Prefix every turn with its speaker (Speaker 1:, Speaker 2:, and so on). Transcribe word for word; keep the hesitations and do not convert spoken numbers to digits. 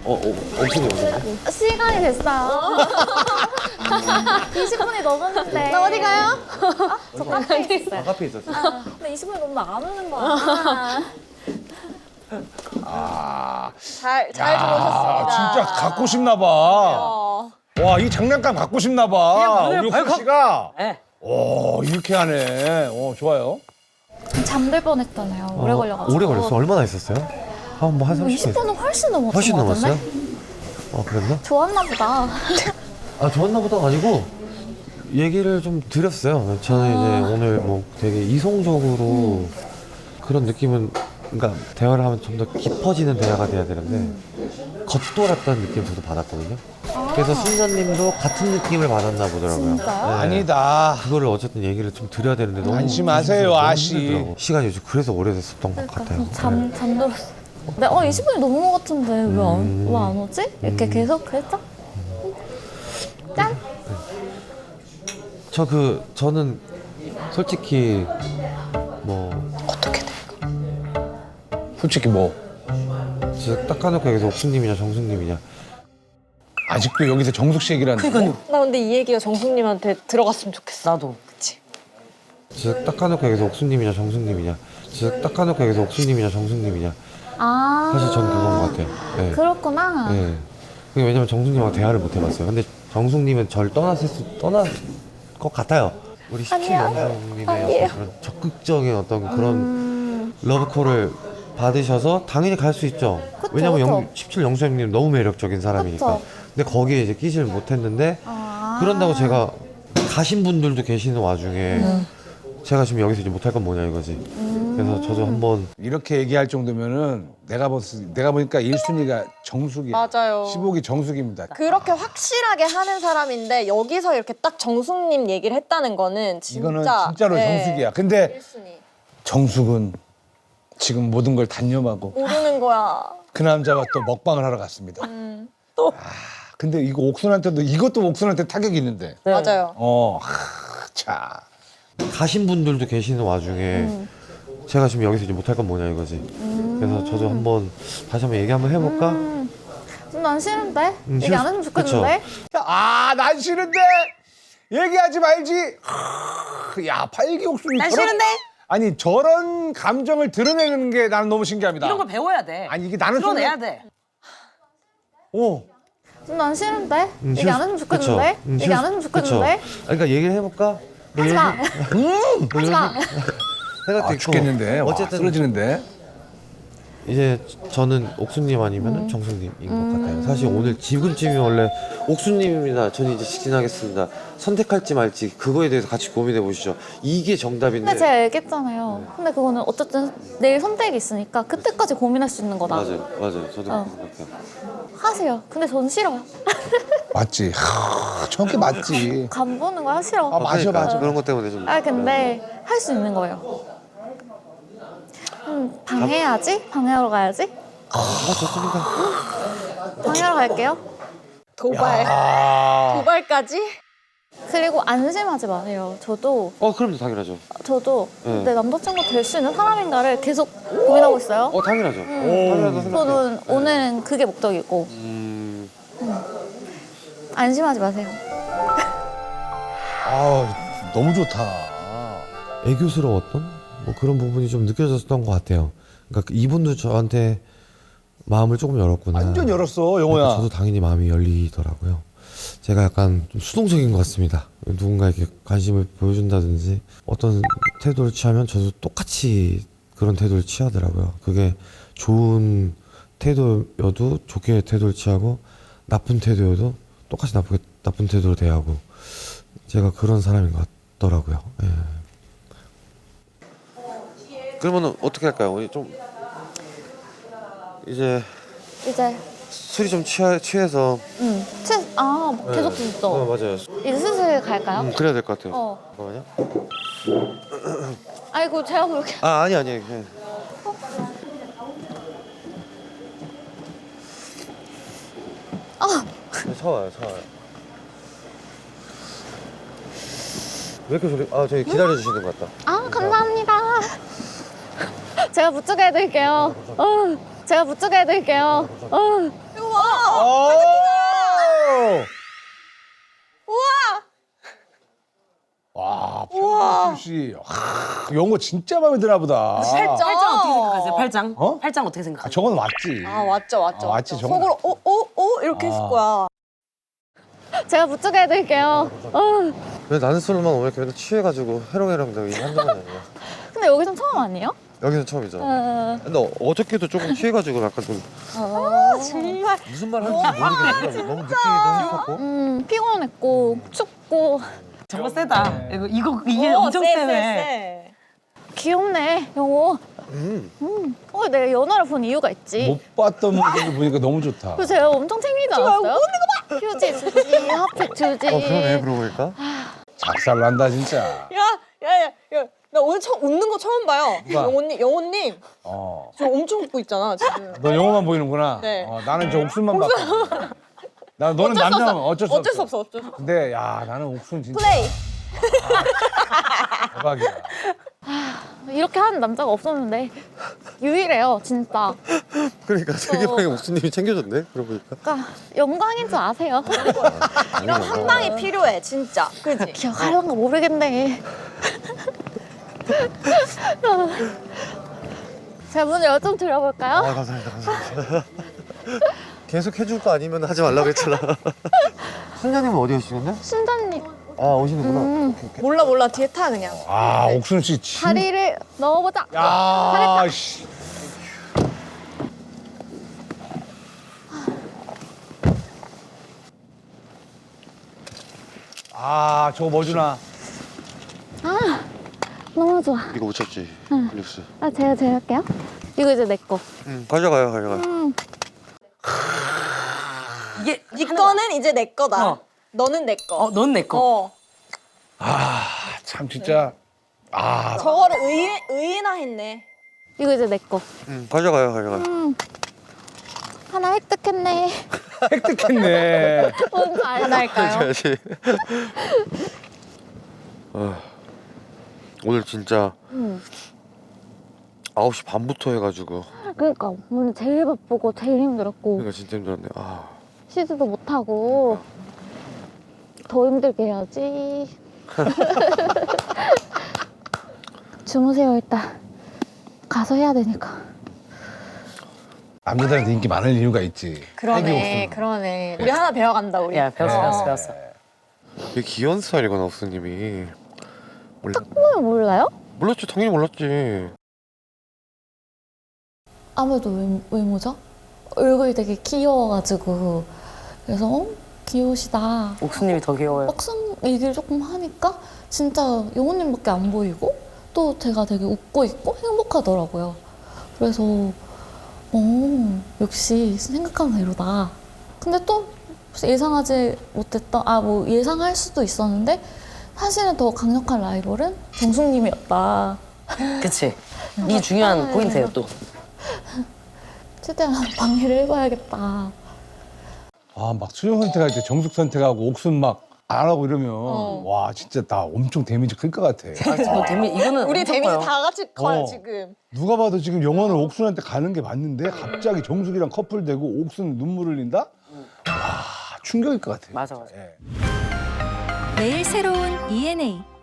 Speaker 1: 어, 어, 엄청 오셨네.
Speaker 2: 시간이 됐어요. 이십 분이 넘었는데.
Speaker 3: 나 어디 가요?
Speaker 2: 저 카페에 있어요.
Speaker 1: 아, 카페에 있었어.
Speaker 2: 근데 이십 분이 넘으면 안 오는 거야.
Speaker 4: 아,
Speaker 3: 잘, 잘 들어오셨습니다.
Speaker 4: 진짜 갖고 싶나 봐.
Speaker 3: 어.
Speaker 4: 와, 이 장난감 갖고 싶나 봐. 우리 옥수 씨가.
Speaker 5: 네.
Speaker 4: 오, 이렇게 하네. 어, 좋아요.
Speaker 2: 잠들 뻔했잖아요. 오래 걸려가지고.
Speaker 1: 오래 걸렸어? 얼마나 있었어요? 한 뭐 한 삼십 분.
Speaker 2: 이십 분은 훨씬 넘었던
Speaker 1: 훨씬
Speaker 2: 것 같은데?
Speaker 1: 넘었어요? 어, 그랬나?
Speaker 2: 좋았나 보다.
Speaker 1: 아, 좋았나 보다 아니고 얘기를 좀 드렸어요. 저는 이제 오늘 뭐 되게 이성적으로 그런 느낌은, 그러니까 대화를 하면 좀 더 깊어지는 대화가 돼야 되는데 겉돌았다는 느낌 저도 받았거든요. 그래서 순자님도 같은 느낌을 받았나 보더라고요.
Speaker 2: 진짜요?
Speaker 1: 네.
Speaker 4: 아니다.
Speaker 1: 그거를 어쨌든 얘기를 좀 드려야 되는데 너무
Speaker 4: 안심하세요,
Speaker 1: 너무
Speaker 4: 아씨.
Speaker 1: 힘들더라고. 시간이 요즘 그래서 오래됐었던 것 같아요.
Speaker 2: 그러니까 잠, 잠들었어. 네, 어, 이십 분이 넘은 것 같은데 왜 안,
Speaker 1: 음.
Speaker 2: 왜 안 오지? 이렇게 계속 그랬죠? 짠!
Speaker 1: 저 그 저는 솔직히 뭐
Speaker 4: 솔직히 뭐,
Speaker 1: 진짜 딱 까놓고 여기서 옥수님이냐 정숙님이냐
Speaker 4: 아직도 여기서 정숙 씨 얘기를 하는 거야?
Speaker 3: 나 근데 이 얘기가 정숙님한테 들어갔으면 좋겠어.
Speaker 5: 나도.
Speaker 3: 그치?
Speaker 1: 진짜 딱 까놓고 여기서 옥수님이냐 정숙님이냐 진짜 딱 까놓고 여기서 옥수님이냐 정숙님이냐
Speaker 2: 아.
Speaker 1: 사실 전 그건 것 같아요. 네.
Speaker 2: 그렇구나.
Speaker 1: 네. 그게 왜냐면 정숙님하고 대화를 못 해봤어요. 근데 정숙님은 절 떠났을 수 떠날 것 같아요. 우리 십칠 영수님의 어떤 그런 적극적인 어떤 그런
Speaker 2: 음.
Speaker 1: 러브콜을 받으셔서 당연히 갈 수 있죠.
Speaker 2: 그쵸,
Speaker 1: 왜냐면
Speaker 2: 그쵸.
Speaker 1: 영, 십칠 영수님 너무 매력적인 사람이니까.
Speaker 2: 그쵸.
Speaker 1: 근데 거기에 이제 끼지를 못했는데
Speaker 2: 아.
Speaker 1: 그런다고 제가 가신 분들도 계시는 와중에
Speaker 2: 음.
Speaker 1: 제가 지금 여기서 이제 못할 건 뭐냐 이거지. 그래서 저도 한번
Speaker 4: 이렇게 얘기할 정도면은 내가 봤, 내가 보니까 일 순위가 정숙이야.
Speaker 3: 맞아요.
Speaker 4: 십오 기 정숙입니다.
Speaker 3: 그렇게 확실하게 하는 사람인데 여기서 이렇게 딱 정숙님 얘기를 했다는 거는 진짜
Speaker 4: 이거는 진짜로
Speaker 3: 네.
Speaker 4: 정숙이야. 근데
Speaker 3: 일 순위.
Speaker 4: 정숙은 지금 모든 걸 단념하고
Speaker 3: 모르는 거야.
Speaker 4: 그 남자와 또 먹방을 하러 갔습니다.
Speaker 3: 음.
Speaker 4: 아, 근데 이거 옥순한테도 이것도 옥순한테 타격이 있는데.
Speaker 5: 네.
Speaker 3: 맞아요.
Speaker 4: 어, 하, 자.
Speaker 1: 가신 분들도 계시는 와중에 제가 지금 여기서 이제 못할 건 뭐냐 이거지. 그래서 저도 한번 다시 한번 얘기 한번 해볼까?
Speaker 2: 음, 난 싫은데?
Speaker 1: 음,
Speaker 2: 얘기
Speaker 1: 싫-
Speaker 2: 안 했으면 좋겠는데?
Speaker 4: 아, 난 싫은데 얘기하지 말지. 하, 야, 팔기옥순이
Speaker 5: 난
Speaker 4: 저런-
Speaker 5: 싫은데?
Speaker 4: 아니 저런 감정을 드러내는 게 나는 너무 신기합니다.
Speaker 5: 이런 걸 배워야 돼.
Speaker 4: 아니 이게 나는
Speaker 5: 드러내야
Speaker 4: 순간-
Speaker 5: 돼.
Speaker 4: 오,
Speaker 2: 난 싫은데?
Speaker 1: 음,
Speaker 2: 얘기
Speaker 1: 싫-
Speaker 2: 안 했으면
Speaker 1: 그쵸.
Speaker 2: 좋겠는데?
Speaker 1: 음,
Speaker 2: 얘기
Speaker 1: 싫-
Speaker 2: 안 했으면 좋겠는데?
Speaker 1: 그쵸. 아니, 그러니까 얘기를 해볼까? 뭐
Speaker 2: 하지 마!
Speaker 1: 뭐
Speaker 2: 하지 마!
Speaker 1: 생각도
Speaker 4: 아,
Speaker 1: 있고.
Speaker 4: 죽겠는데. 와,
Speaker 1: 어쨌든
Speaker 4: 쓰러지는데.
Speaker 1: 이제 저는 옥수님 아니면 은 정숙님인 것 같아요. 사실 오늘 지금쯤이 원래 옥수님입니다. 저는 이제 직진하겠습니다. 선택할지 말지 그거에 대해서 같이 고민해 보시죠. 이게 정답인데.
Speaker 2: 근데 제가 얘기했잖아요. 근데 그거는 어쨌든 내일 선택이 있으니까 그때까지 고민할 수 있는 거다.
Speaker 1: 맞아요, 맞아요. 저도
Speaker 2: 어.
Speaker 1: 그렇게 생각해요.
Speaker 2: 하세요. 근데 전 싫어요.
Speaker 4: 맞지. 하, 저게 맞지.
Speaker 2: 간 보는 거 싫어.
Speaker 4: 아, 맞아,
Speaker 1: 그러니까
Speaker 4: 맞아.
Speaker 1: 그런 것 때문에 좀.
Speaker 2: 아 근데 할 수 있는 거예요. 음, 방해하지? 방해하러 가야지?
Speaker 1: 아, 좋습니다.
Speaker 2: 방해하러 갈게요.
Speaker 3: 도발.
Speaker 4: 아,
Speaker 3: 도발까지?
Speaker 2: 그리고 안심하지 마세요. 저도
Speaker 1: 어, 그럼요, 당연하죠.
Speaker 2: 저도
Speaker 1: 네.
Speaker 2: 내 남자친구 될 수 있는 사람인가를 계속 고민하고 있어요.
Speaker 1: 어, 당연하죠. 당연하다 생각해요.
Speaker 2: 저는 오늘은 그게 목적이고
Speaker 1: 음,
Speaker 2: 안심하지 마세요.
Speaker 4: 아, 너무 좋다.
Speaker 1: 애교스러웠던 뭐 그런 부분이 좀 느껴졌던 것 같아요. 그러니까 이분도 저한테 마음을 조금 열었구나.
Speaker 4: 완전 열었어,
Speaker 1: 그러니까
Speaker 4: 영호야.
Speaker 1: 저도 당연히 마음이 열리더라고요. 제가 약간 좀 수동적인 것 같습니다. 누군가에게 관심을 보여준다든지 어떤 태도를 취하면 저도 똑같이 그런 태도를 취하더라고요. 그게 좋은 태도여도 좋게 태도를 취하고 나쁜 태도여도 똑같이 나쁘게 나쁜 태도로 대하고 제가 그런 사람인 것 같더라고요. 예. 그러면 어떻게 할까요? 우리 좀 이제
Speaker 2: 이제
Speaker 1: 술이 좀 취하, 취해서
Speaker 2: 음, 채, 아 계속
Speaker 1: 네.
Speaker 2: 듣죠.
Speaker 1: 어, 맞아요.
Speaker 2: 이제 슬슬 갈까요?
Speaker 1: 음, 그래야 될 것 같아요.
Speaker 2: 어.
Speaker 1: 잠깐만요.
Speaker 2: 아이고 제가 그렇게
Speaker 1: 아 아니 아니. 예.
Speaker 2: 아
Speaker 1: 네, 차와요 차와요. 왜 이렇게 소리? 아 저기 기다려 주시는 것 같다.
Speaker 2: 아, 감사합니다. 제가 부축해 드릴게요. 어, 제가 부축해 드릴게요. 어.
Speaker 3: 이거 봐.
Speaker 4: 와, 박명수 씨. 하, 영어 진짜 마음에 드나 보다.
Speaker 3: 팔짱.
Speaker 5: 팔짱 어떻게 생각하세요? 팔짱?
Speaker 4: 어?
Speaker 5: 팔짱 어떻게
Speaker 4: 아,
Speaker 5: 생각하세요?
Speaker 4: 저건 왔지.
Speaker 3: 아 왔죠 왔죠.
Speaker 4: 아, 왔지,
Speaker 3: 왔죠.
Speaker 4: 정말.
Speaker 3: 속으로 오오오 이렇게 했을
Speaker 4: 아.
Speaker 3: 거야.
Speaker 2: 제가 부축해 해드릴게요. 어.
Speaker 1: 왜 나는 술만 오면 이렇게 맨날 취해가지고 해롱해롱 되고 한두 번 아니야.
Speaker 2: 근데 여기선 처음 아니에요?
Speaker 1: 여기는 처음이죠.
Speaker 2: 어.
Speaker 1: 근데 어- 어저께도 조금 취해가지고 약간 좀
Speaker 3: 아 정말.
Speaker 1: 무슨 말 하는지 모르겠는데 너무 느끼기도 했었고.
Speaker 2: 음, 피곤했고 춥고
Speaker 5: 저거 세다. 이거, 이거 이게
Speaker 3: 오,
Speaker 5: 엄청
Speaker 3: 쎄,
Speaker 5: 세네.
Speaker 3: 쎄,
Speaker 2: 귀엽네 영호.
Speaker 1: 음.
Speaker 2: 음. 어, 내가 연하를 본 이유가 있지.
Speaker 4: 못 봤던 모습을 보니까 너무 좋다.
Speaker 2: 그래서 제가 엄청 챙기지 않았어요? 휴지 주지, 핫팩 주지.
Speaker 1: 어 그러네 그러고 보니까.
Speaker 4: 작살 난다 진짜.
Speaker 3: 야, 야, 야, 야, 나 오늘 처음 웃는 거 처음 봐요.
Speaker 4: 누가?
Speaker 3: 영호님, 영호님,
Speaker 4: 어.
Speaker 3: 저 엄청 웃고 있잖아 지금.
Speaker 4: 너 영어만 보이는구나.
Speaker 3: 네.
Speaker 4: 어, 나는 저 옥순만 봤거든. 나 너는 남자면 어쩔 수
Speaker 3: 어쩔
Speaker 4: 없어.
Speaker 3: 수 없어, 어쩔 수 없어.
Speaker 4: 근데 야 나는 옥순 진짜
Speaker 3: 플레이.
Speaker 4: 대박이야.
Speaker 2: 이렇게 하는 남자가 없었는데 유일해요, 진짜.
Speaker 1: 그러니까 세계방에 옥수님이 챙겨줬네. 그러고 보니까.
Speaker 2: 그러니까 영광인 줄 아세요.
Speaker 3: 이런 한 방이 필요해, 진짜. 그지?
Speaker 2: 기억하려는 거 모르겠네. 제가 문을 열 좀 드려볼까요?
Speaker 1: 아 감사합니다 감사합니다. 계속 해줄 거 아니면 하지 말라고 했잖아. 순자님은 어디 가시는데?
Speaker 2: 순자님,
Speaker 1: 아 오시는구나.
Speaker 2: 음,
Speaker 3: 몰라, 몰라. 뒤에 타 그냥.
Speaker 4: 아 옥순 씨 진.
Speaker 2: 다리를 넣어보자.
Speaker 4: 야 씨. 아 저거 뭐 주나?
Speaker 2: 너무 좋아.
Speaker 1: 이거 못 찾지. 뉴스.
Speaker 2: 아, 제가 제가 할게요. 이거 이제 내 거.
Speaker 1: 응 가져가요 가져가요.
Speaker 2: 음,
Speaker 5: 이게
Speaker 3: 네 거는 이제 내 거다.
Speaker 5: 어.
Speaker 3: 너는 내 거.
Speaker 5: 어, 넌 내 거.
Speaker 3: 어.
Speaker 4: 참 진짜. 아
Speaker 3: 저거를 의, 의인화했네.
Speaker 2: 이거 이제 내 거.
Speaker 1: 응 가져가요 가져가요.
Speaker 2: 음, 하나 획득했네.
Speaker 4: 획득했네.
Speaker 2: 뭔지 알까요?
Speaker 1: 가져야지. 아, 오늘 진짜
Speaker 2: 음.
Speaker 1: 아홉 시 반부터 해가지고
Speaker 2: 그러니까 오늘 제일 바쁘고 제일 힘들었고
Speaker 1: 그러니까 진짜 힘들었네. 아
Speaker 2: 쉬지도 못하고 더 힘들게 해야지. 주무세요 일단. 가서 해야 되니까.
Speaker 4: 남자들한테 인기 많은 이유가 있지.
Speaker 3: 그러네, 그러네. 우리 하나 배워간다, 우리.
Speaker 5: 야, 배웠어,
Speaker 3: 어.
Speaker 5: 배웠어, 배웠어.
Speaker 1: 되게 귀여운 스타일이구나 옥수님이. 몰라.
Speaker 2: 왜 몰라요?
Speaker 1: 몰랐지 당연히 몰랐지.
Speaker 2: 아무래도 외, 외모죠? 얼굴이 되게 귀여워가지고 그래서 어? 귀여우시다.
Speaker 5: 옥수님이 더 귀여워요.
Speaker 2: 막상 얘기를 조금 하니까 진짜 영호님밖에 안 보이고 또 제가 되게 웃고 있고 행복하더라고요. 그래서 어 역시 생각한 대로다. 근데 또 예상하지 못했던 아 뭐 예상할 수도 있었는데 사실은 더 강력한 라이벌은 정숙님이었다.
Speaker 5: 그치? 이 중요한 포인트예요, 또.
Speaker 2: 최대한 방해를 해봐야겠다.
Speaker 4: 아막 수영 선택할 때 정숙 선택하고 옥순 막 안 하고 이러면
Speaker 3: 어.
Speaker 4: 와 진짜 나 엄청 데미지 클 것 같아.
Speaker 5: 아, 이거 데미, 이거는
Speaker 3: 우리
Speaker 5: 엄청
Speaker 3: 데미지
Speaker 5: 커요.
Speaker 3: 다 같이 커요,
Speaker 4: 어.
Speaker 3: 지금.
Speaker 4: 누가 봐도 지금 영원을 옥순한테 가는 게 맞는데 갑자기 정숙이랑 커플되고 옥순 눈물 흘린다? 와 충격일 것 같아.
Speaker 5: 맞아, 맞아.
Speaker 4: 예.
Speaker 6: 매일 새로운 이엔에이